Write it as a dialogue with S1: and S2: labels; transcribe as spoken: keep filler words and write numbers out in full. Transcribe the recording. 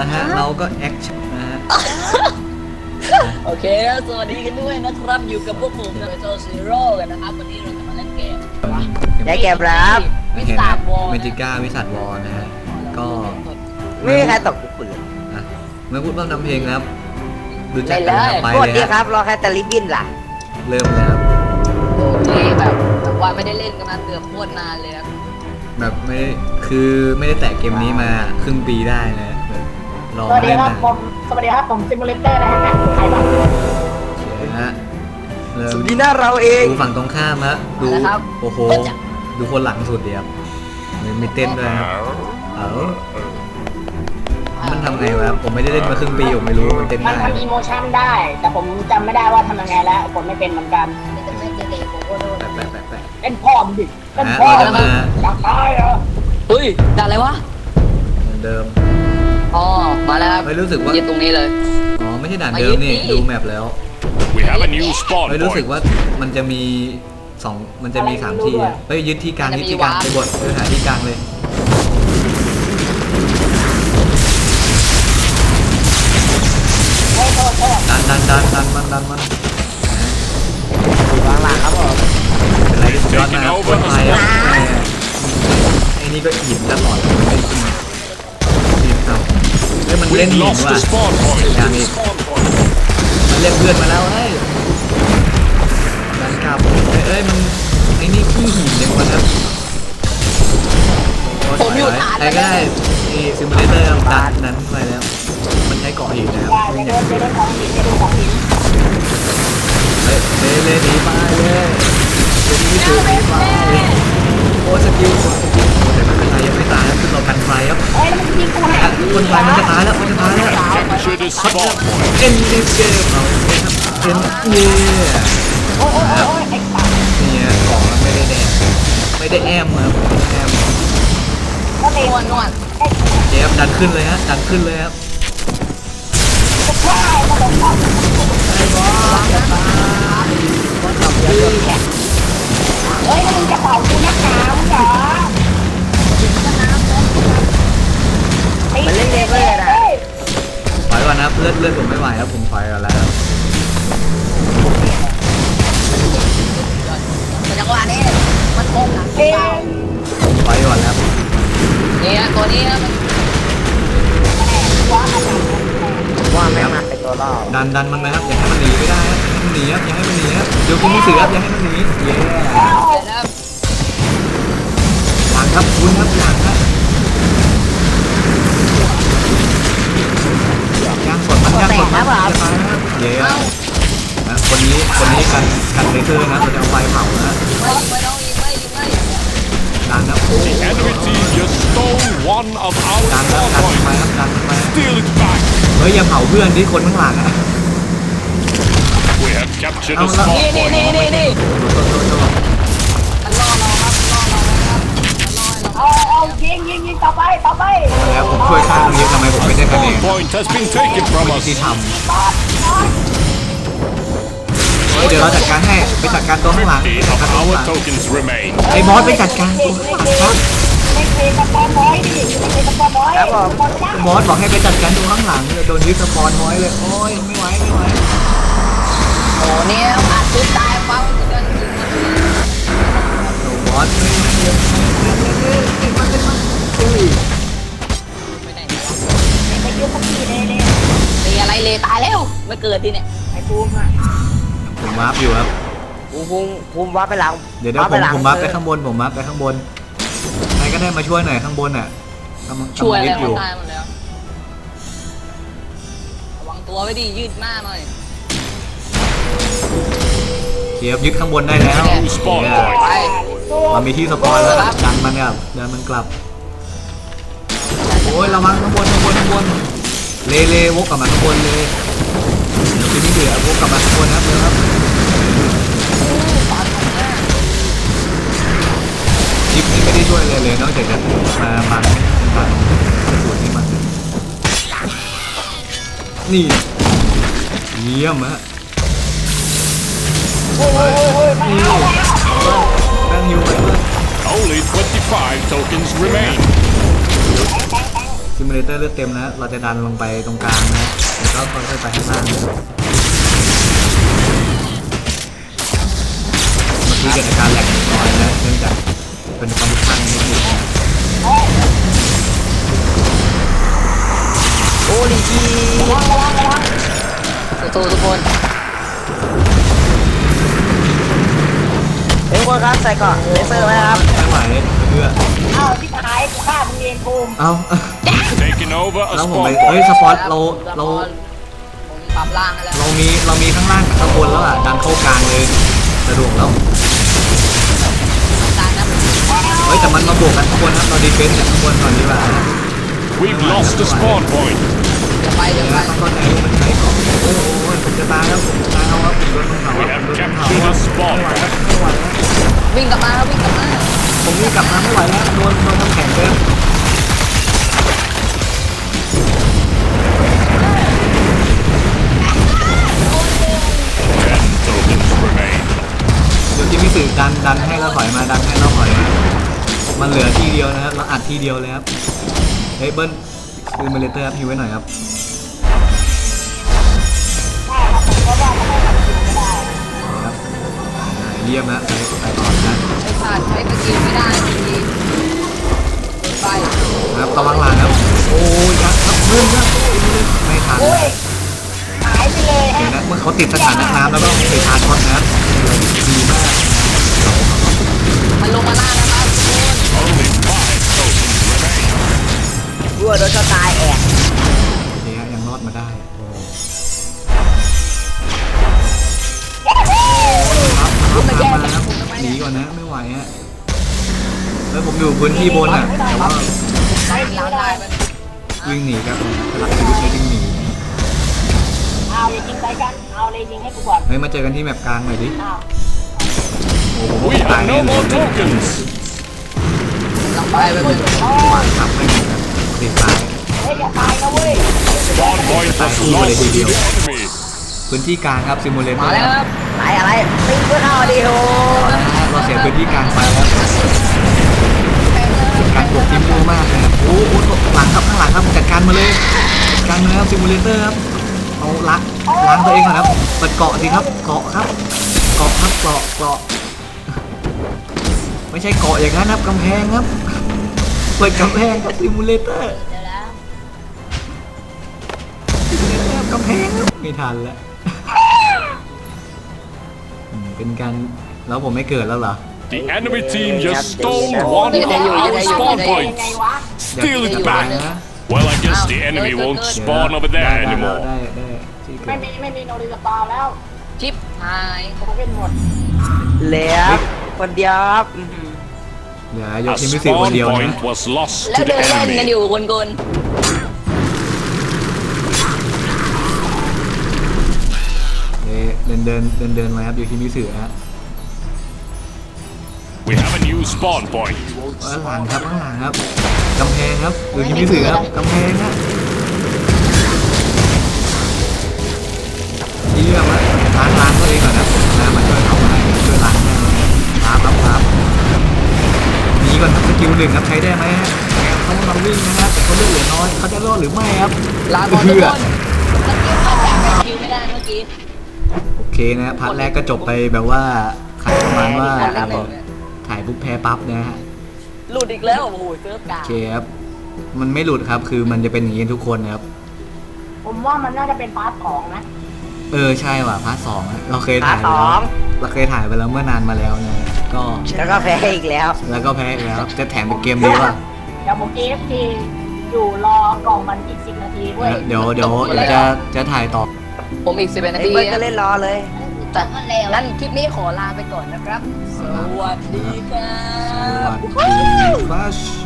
S1: ละฮะเราก็แอคชั่นนะฮะ
S2: โอเคสวัสดีกันด้วยนะครับอยู่กับพวกผมนะโจซีโร่กันนะครับวันนี้เราจะมาเล่นเกม
S3: ได้เกมรับ
S2: วิ
S1: เห็น
S2: สา
S1: นะ
S2: บวอล
S1: เมจิก้าวิสัทวอลนะฮะก็
S3: ไม่มีใครตกกูปืน
S1: นะเมื่อพูดว่านำเพลงนะครับดูจัก
S2: เล่
S1: กัน
S2: นเลย
S1: นะไป
S3: โคตร
S1: เลย
S3: ดี
S1: ฮะ
S3: ครับรอแค่ตะลิบบินล่ะ
S1: เริ่มแล้ว
S2: โอ้ที่แบบแบบว่าไม่ได้เล่นกันมาเกือบโคตรนานเลยครับ
S1: แบบไม่คือไม่ได้แตะเกมนี้มาครึ่งปีได้นะรอ
S4: สวัสดี
S1: เล่น
S4: ครับ
S1: นะ
S4: ผมสวัสดีครับผมซิมูเลเตอร์นะฮะใครบ้าง
S1: นะฮะเริ่
S3: ส
S1: ม
S3: วัสดีหน้าเราเอง
S1: ดูฝั่งตรงข้ามฮะดูโอ้โหดูคนหลังสุดเดียวมีมีเต้นด้วยครับเออมันทำไงวะผมไม่ได้เล่นมาครึ่งปีผมไม่รู้มันเต้น
S4: มัน
S1: ได้
S4: ทำอีโมชั่นได้ แต่ผมจำไม่ได้ว่าทำยังไงแล้วผมไม่เป็นเหมือนกัน
S2: ไม่จะไม่จะเด็กผมก็โดน
S1: แปะแปะแปะแปะ
S4: เป็นพ่อมงดิเป็น
S1: นะ
S4: พ่อ
S1: เราจะ
S4: มึง
S1: มา
S4: อยากตายเหรอ
S2: เฮ้ยด่าอะไรวะ
S1: เหมือนเดิม
S2: อ๋อมาแล้วครับ
S1: ไม่รู้สึกว่า
S2: ยืนตรงนี้เลย
S1: อ๋อไม่ใช่ด่านเดิมนี่
S2: มายืนนี่
S1: ดูแมปแล้ว
S5: We have a new spawn
S1: ไม่รู้สึก
S5: point.
S1: ว่ามันจะมีสองมันจะมีสามที่อะเฮ้ยยึดที่กลางยึดที่กลางไปบดเออหาที่กลางเลย
S4: โอ้โหโทษ
S1: ดันดันดันดันมันดันมัน
S3: วางหลังครับผม
S1: เป็นไรที่สุดยอดมากคนไทยอ่ะแหมไอ้นี่ก็หยิบตลอดเลยไม่จริงหยิบเอาเฮ้ยมันเล่น
S5: We've
S1: หิน
S5: lost
S1: ว่ะ
S5: the spawn point.
S1: อย่างอีกมันเรียกเพื่อนมาแล้วเฮ้ยดันกลับเอ้ยเอ้ยมันไอ้นี่ขี้หินอย่างวะครับโอ้
S2: ผมอยู่ฐาน
S1: ใครก็ได้นี่ซิมูเลเตอร์ดันนั้นไปแล้วมันใช้เกาะหินนะครับ
S4: อย่า
S1: ไม่
S4: อย่า
S1: อ
S4: เดิ
S1: ย่าง
S4: นอย่าเดินของหินอย่าเดินของหิน
S1: เฮ้ยเลเลหนีไปเลยเดี๋ยวนี้ถูกหนีไปโอ้สกิลสกิลโอ้แต่ไม่เป็นไรยังไม่ตายครับคือเรากันไฟครับ
S4: เฮ้ยแล้วมันยิงกูหา
S1: อ่ะคนไฟมันจะตายแล้วมันจะตายแล้ว
S5: Capture the spawn point.
S1: เอ็นดิเกมเอาเอ็นเย่
S4: โอ้ยโอ้ยโอ้ยโอ้ยไอ้สัตว์
S1: เนี่ยของมันไม่ได้แดงไม่ได้แอมครับแอม
S4: ก็เลย
S2: นวลนวล
S4: ไอ้
S1: เจฟดันขึ้นเลยฮะดันขึ้นเลยครับ
S4: จะฆ่ามาหลงพ่อเฮ้ยแล้วมึงจะเป่ากูนักหนามึงเหรอ
S3: มันเล่นเกมเลยนะ
S1: ถอยก่อนนะเลือดเลือดผมไม่ไหวแล้วผมถอยก่อนแล้ว
S2: แต่จังหวะนี้มันโกงหลัง
S4: เฮ้ย
S2: เปล่า
S1: ผมถอยก่อนแล้ว
S2: เนี่ยตัวนี้มัน
S3: ว่าไม่มาเป็นตัวล่อ
S1: ดันดันมันนะครับอย่าให้มันหนีไม่ได้ครับอย่าให้มันหนีครับอย่าให้มันหนีครับเดี๋ยวคุณมีเสือครับอย่าให้มันหนีเย้
S2: แล้ว
S1: หลังครับคุณครับหลังครับย่างสดมันย่างสดมันจะตายนะครับเย้นะคนนี้คนนี้กันกันเลเซอร์นะเราจะเอาไฟเผานะ
S2: ไม่ไม่ต้องยิงไม่ยิงไม่
S1: ดันนะโอ้
S5: The enemy team just stole one of our
S1: ดันนะ
S5: spawn
S1: ดันไป
S5: points.
S1: ครับดันไป
S5: Steal it back.
S1: เฮ้ยอย่าเผาเพื่อนที่คนข้างหลังอ่ะ
S5: We have captured the
S1: Oh, no.
S5: spawn
S2: นี่นี่
S5: point.
S2: นี่นี่นี่
S1: โทษโทษโทษ
S2: มันล่อเราครับล่อเราครับมันล่อเรา
S4: เอาเอายิงยิงยิงต่อไปต่อไป
S1: แล้วผมช่วยข้างนี้ทำไมผมไม่ได้คะแน
S5: Spawn
S1: น
S5: point has been taken from
S1: ที่
S5: us.
S1: ทำเฮ้ยเดี๋ยวเราจัดการให้ไปจัดการตัวข้างหลัง
S5: Eight
S1: จัด
S5: of
S1: การตัวข้าง
S5: our
S1: หลัง
S5: tokens remain.
S1: ไอ้บอสไปจัดการตัวข้างหลังครับ
S4: ไม่เคยตะปอนน้อยดิไม่เคยตะปอนน้อย
S3: ครับผม
S1: บอสบอกให้ไปจัดการตัวข้างหลังเลยโดนยึดสปอนไว้เลยโอ้ยไม่ไหวไม่ไหว
S2: โอ้เนี่ยอาจจะตายฟังกัน
S1: โอ้บอสไม่ไม่ไม่ไม่ไม่ไม่ไม่อุ้ย
S2: ไปไหน
S4: ไม่ยืมสักทีเลยเนี่ย
S2: ตีอะไรเลยตายแล้วไม่เกิดทีเนี่ย
S4: ไอ้บูมอ่ะ
S1: ผมวาร์ปอยู่ครับ
S3: ภูมิภูมิภูมิว่าไปหลัง
S1: เดี๋ยวเดี๋ยวผมผมวาร์ปไปข้างบนผมวาร์ปไปข้างบนใครก็ได้มาช่วยหน่อยข้างบนอ่ะกำลัง
S2: ช่วย
S1: กำลัง
S2: แล้
S1: ยึ
S2: ว
S1: ดอยู่
S2: ตายหมดแล้วระวังตัวไว้ดิยืดหน้าหน่อย
S1: เทียบยึดข้างบนได้แล้ว
S5: New spawn
S1: เนี่ย
S5: point.
S2: ไป
S1: มันมีที่สปอนแล้วดันมันเนี่ยดันมันกลับโอ้ยระวังข้างบนข้างบนข้างบนเลเลวกกลับมาข้างบนเลยเดี๋ยวทีนี้เดือดวกกลับมาข้างบนนะครับเดี๋ยวครับคลิปนี้ไม่ได้ช่วยเลยเลยนอกจากจะมาบังบังสูตรนี้มันนี่เยี่ยมฮะ
S4: โอ้ยโอ้ยโอ้ยมาเอาแล้ว
S1: ตั้งฮิวไปเพื่อน
S5: Only twenty-five tokens remain.
S1: ซิมูเลเตอร์เลือดเต็มแล้วเราจะดันลงไปตรงกลางนะแล้วก็ค่อยๆไปข้างล่างนะครับเมื่อกี้เกิดอาการแหลกนิดหน่อยนะเนื่องจากเป็นความผิดพลาดนิดหนึ่งนะ
S3: โอ้ลิจี
S2: สู้ๆทุกคน
S3: เฮ้ยทุกคนครับใส่เกราะเลเซอร์ไว้นะครับ
S1: ไม่ไหวเพื่อ
S4: เอ้าที่หายกูฆ่ามึงเองภูมิ
S1: เอ้า
S5: Taking over a
S1: แล้วผมไป
S5: spawn
S1: เฮ้ย
S5: point.
S1: สปอตเราเรา
S2: ผมปรับล่างให้แล้ว
S1: เรามีเรามีข้างล่างกับข้างบนแล้วอ่ะดันเข้ากลางเลยสะดวกแล้ว
S2: กลางนะ
S1: เฮ้ยแต่มันมาบวกกันข้างบนครับเราดีเฟนส์จากข้างบนก่อนดีกว่านะ
S5: We've lost the spawn point.
S2: จะไปจะ
S1: เดี๋ยว
S2: ไป
S1: นะต้องเข้าใจว่ามันใช้ของโอ้โหผมจะตายแล้วผมจะตายแล้วครับผมโดนมันเผา
S5: We
S1: ครับ
S5: have
S1: ผมโดนมันเผา
S5: captured
S1: ครั
S5: a
S1: บ
S5: spawn
S1: ไม่ไหวแล้ว
S5: point.
S1: ไม่ไหวแล้ว
S2: วิ่งกลับมาครับวิ่งกลับมา
S1: ผมนี่กลับมาไม่ไหวแล้วโดนโดนน้ำแข็งเกิน
S5: Ten tokens remain.
S1: เดี๋ยวที่มิสึดันดันให้เราถอยมาดันให้เราถอยมามันเหลือที่เดียวนะครับเราอัดที่เดียวเลยครับเฮ้ยเบิ้ลคือเมเลเตอร์ครับฮิวไว้หน่อยครับ
S4: ใช่ครับผมก็ว่าทำไมทำคิวไม่ได้
S1: ครับเยี่ยมนะไปไปต่อนะ
S2: ไอ้ขาดใช้สกิลไม่ได้ทีไป
S1: ครับระวังหลังครับโอ้ยยักษ์ครับเพิ่มครับไม่ทัน
S4: โอ้ยหายไปเลย
S1: เห็น
S4: ฮะ
S1: นะเมื่อเขาติดสถานะน้ำแล้วก็ไปทานช็อตนะครับดีมาก
S2: มันลงมาล่างนะครับทุกคน
S5: Only five tokens remain.
S3: รั่วโดนช็อตตายแอก
S1: โอเคฮะยังรอดมาได้โอ้ครับครับตามมาครับหนีก่อนนะไม่ไหวฮะแล้วผมอยู่พื้นที่บนอ่ะแต่ว่า
S4: ไม่
S2: ล้าง
S4: ได้
S2: ได้มัน
S1: วิ่งหนีครับหลักชีวิตเลยวิ่งหนี
S4: เอาอย่ายิงใส่กันเอาเลยยิงให้กูก่อน
S1: เฮ้ยมาเจอกันที่แมปกลางหน่อยดิ
S4: เอา
S1: โอ้โห
S5: We
S1: ตาย
S5: have
S1: แน่
S5: no
S1: เล
S5: more
S1: ย
S5: tokens.
S2: หลังไปไปเลย
S1: วางทับไม่ได้ติดตาย
S4: เฮ้ยอย่าตายนะเว้ย
S5: Spawn point was lost to the enemy.
S1: พื้นที่กลางครับซิมูเลเตอ
S2: มา
S1: ร์
S2: แล้วครับ
S3: ตายอะไรตีเพื่อนเอาดิโอ
S1: เราเสียพื้นที่กลางไปแล้วการปลุกทีมโูมากเลยครับโอ้โหหลังครับข้างหลังครับจัดการมาเลยจัดการมาแล้วซิมูเลเตอร์ครับเอาล้างล้างตัวเองก่อนครับเปิดเกาะสิครับเกาะครับเกาะครับเกาะเกาะไม่ใช่เกาะอย่างนั้นครับกำแพงครับเปิดกำแพงครับซิมูเลเตอร์กำแพงครับไม่ทันแล้วอืมเป็นการแล้วผมไม่เกิดแล้วเหรอ
S5: The enemy team just stole one of our spawn
S4: ยังไง
S5: points.
S4: วะ
S5: Steal
S1: อย่า
S5: it
S1: ตาย
S5: back.
S1: นะ
S5: Well, I guess the enemy won't spawn over
S1: ได้
S5: there
S1: ได้ได้
S5: anymore.
S1: ได้ได้ที่เกิ
S4: ไม่
S1: ด
S4: มีไม่มีโนริสปาวแล้ว
S2: ชิปหาย
S4: ผมเป็นหมด
S3: เหลือคนเดียวครับอื้อหือ
S1: เดี๋ยวยก
S5: A
S1: ทีมพิเศษคน
S5: spawn
S1: เดียวนะ
S5: point was lost
S2: แล้ว
S5: to
S2: เดิ
S5: the
S2: นเล่นกัน
S5: enemy.
S2: อยู่คนกล
S1: เดินเดินเดินเดินมาครับอยู่ทีมพิเศษฮะ
S5: We have a new spawn point.
S1: ข้างหลังครับข้างหลังครับกำแพงครับอยู่ทีมพิเศษครับกำแพงนะเยี่ยมนะล้างล้างตัวเองก่อนนะน้ำมาช่วยเขาให้ช่วยล้างให้ครับครับครับหนีก่อนครับสกิลหนึ่งครับใช้ได้ไหมฮะเขากำลังวิ่งนะครับแต่เขาเลือดเหลือน้อยเขาจะรอดหรือไม่ครับ
S2: ลาก่อนทุกคนสกิลมาจากสกิลไม่ได้เมื่อกี้
S1: โอเคนะพาร์ทแรกก็จบไปแบบว่าขายประมาณว่า
S2: คนเล่นหนึ่ง
S1: ถ่ายปุ๊บแพ้ปั๊บนะฮะ
S2: หลุดอีกแล้วโอ้โหเซิร์ฟกา
S1: โอเคครับมันไม่หลุดครับคือมันจะเป็นอย่างนี้ทุกคนนะครับ
S4: ผมว่ามันน่าจะเป็นพาร์ทของนะ
S1: เออใช่ว่ะพาร์ทสองอะเราเคยถ่ายไปแล้วเราเคยถ่ายไปแล้วเมื่อนานมาแล้วนะก็
S3: แล้วก็แพ้อีกแล้ว
S1: แล้วก็แพ้อีกแล้วจะแถมเป็นเกมนี้ว่ะ
S4: เดี๋ยวผม เอ เอฟ ที อยู่รอกล่องมันอีกสิบนาทีเว้ย
S1: เดี๋ยวเดี๋ยวเดี๋ยวจะจะถ่ายต่อ
S2: ผมอีกสิบเอ็ดนา
S3: ไอ้
S2: ที
S3: เบิร์ดก็เล่นรอเลย
S2: แต่งั้นคลิปนี้ขอลาไปก่อนนะครับ สวัสดีครั
S1: สวั
S2: บ
S1: สดีครับ